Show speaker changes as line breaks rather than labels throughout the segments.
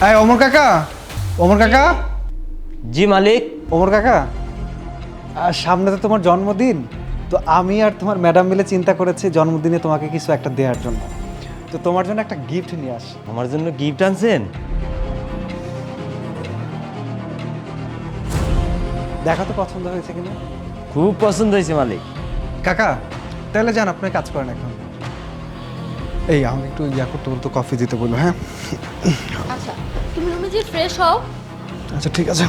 এই ওমর কাকা, ওমর কাকা,
জি মালিক।
ওমর কাকা, সামনে তো তোমার জন্মদিন। তো আমি আর তোমার ম্যাডাম মিলে চিন্তা করেছি জন্মদিনে তোমাকে কিছু একটা দেওয়ার জন্য। তো তোমার জন্য একটা গিফট নিয়ে আসি।
আমার জন্য গিফট আনছেন?
দেখা তো পছন্দ হয়েছে কিনা।
খুব পছন্দ হয়েছে মালিক।
কাকা তাহলে যান, আপনি কাজ করেন এখন। এই আমাকে একটু করতে বলতো, কফি দিতে বললো। হ্যাঁ
আচ্ছা, তুমি রুমে যে ফ্রেশ হও।
আচ্ছা ঠিক আছে।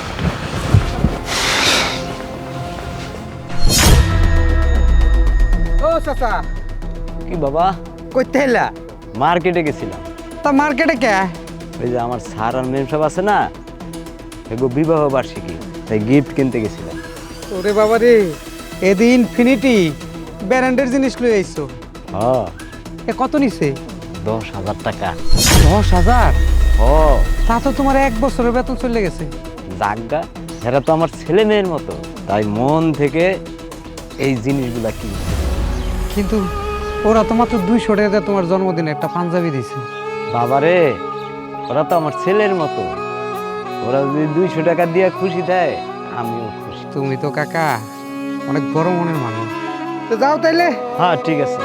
ও চাচা,
কি বাবা?
কইতে হেলা?
মার্কেটে গেছিলাম।
তা মার্কেটে কে?
ওই যে আমার স্যার আর মেম সাহেব আছে না, এগো বিবাহ বার্ষিকী, তাই গিফট কিনতে গেছিলাম।
ওরে বাবা রে, এদিন ইনফিনিটি ব্র্যান্ডের জিনিস লই আইছো।
হ্যাঁ,
এ কত নিছে?
10,000 টাকা।
10,000?
ও
তা তো তোমার 1 বছরের বেতন চলে গেছে।
জাগা, এরা তো আমার ছেলে মেয়ের মতো, তাই মন থেকে এই জিনিসগুলা কিনছি।
কিন্তু ওরা তো মাত্র 200 টাকা দিয়ে তোমার জন্মদিনে একটা পাঞ্জাবি দিছে।
বাবারে, ওরা তো আমার ছেলের মতো, ওরা যদি 200 টাকা দিয়ে খুশি দেয় আমিও খুশি।
তুমি তো কাকা অনেক বড় মনের মানুষ। তো যাও তাইলে।
হ্যাঁ ঠিক আছে।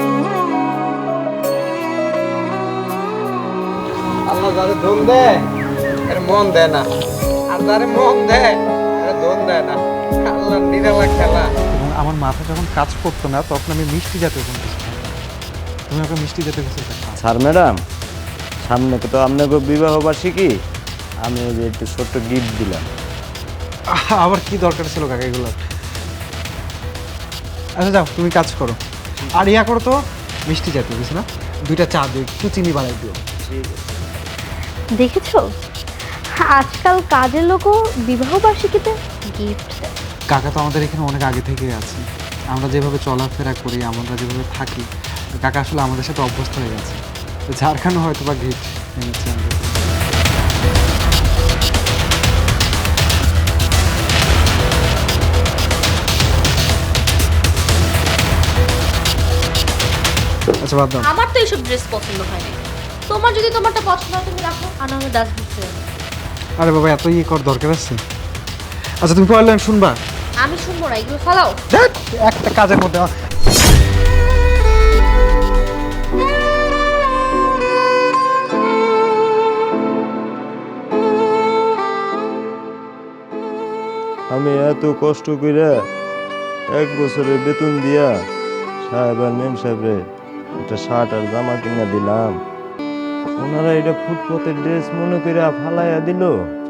আল্লাহ যারে ধন দেয় এর মন দেয় না, আর যারে মন দেয় এর ধন দেয় না। আল্লাহ নিরালা খেলা।
এবং আমার মাথা যখন কাজ করতো না তখন আমি মিষ্টি জাতীয় কোনো কিছু খাইতাম। তুমি আমাকে মিষ্টি জাতীয় কিছু খাও।
স্যার ম্যাডাম, সামনে তো আপনাকে বিবাহ বার্ষিকী, আমি ওই যে একটু ছোট্ট গিফট দিলাম।
আবার কি দরকার ছিল কাকা এগুলো? আচ্ছা যাও, তুমি কাজ করো। আর করো তো, মিষ্টি জাতীয় কিছু না, 2টা চা দিও, একটু চিনি বাড়াই দিও।
দেখেছো, আজকাল কাজের লোকও বিবাহ বার্ষিকীতে গিফট দেয়।
কাকা তো আমাদের এখানে অনেক আগে থেকেই আছে। আমরা যেভাবে চলাফেরা করি, আমরা যেভাবে থাকি, কাকা আসলে আমাদের সাথে অভ্যস্ত হয়ে গেছে। তো যার কারণে হয়তো বা গিফট এনেছে আমাদের। আচ্ছা বাদ দাও।
আমার তো এইসব ড্রেস পছন্দ হয় না। তোমার যদি তোমারটা পছন্দ হয় তুমি রাখো, আর আমি ডাস্টবিন ফেলে দেবো।
আরে বাবা, এত কর দরকার আছে? আচ্ছা তুমি পরের লাইন শুনবা?
আমি শুনবো না, এগুলো ফালাও।
ধ্যাৎ, একটা কাজের মধ্যে
আমি এত কষ্ট কইরা 1 বছরের বেতন দিয়া সাহেব আর মেম সাহেবরে একটা শার্ট আর জামা কিনা দিলাম, ওনারা এটা ফুটপথের ড্রেস মনে কইরা ফালাইয়া দিল।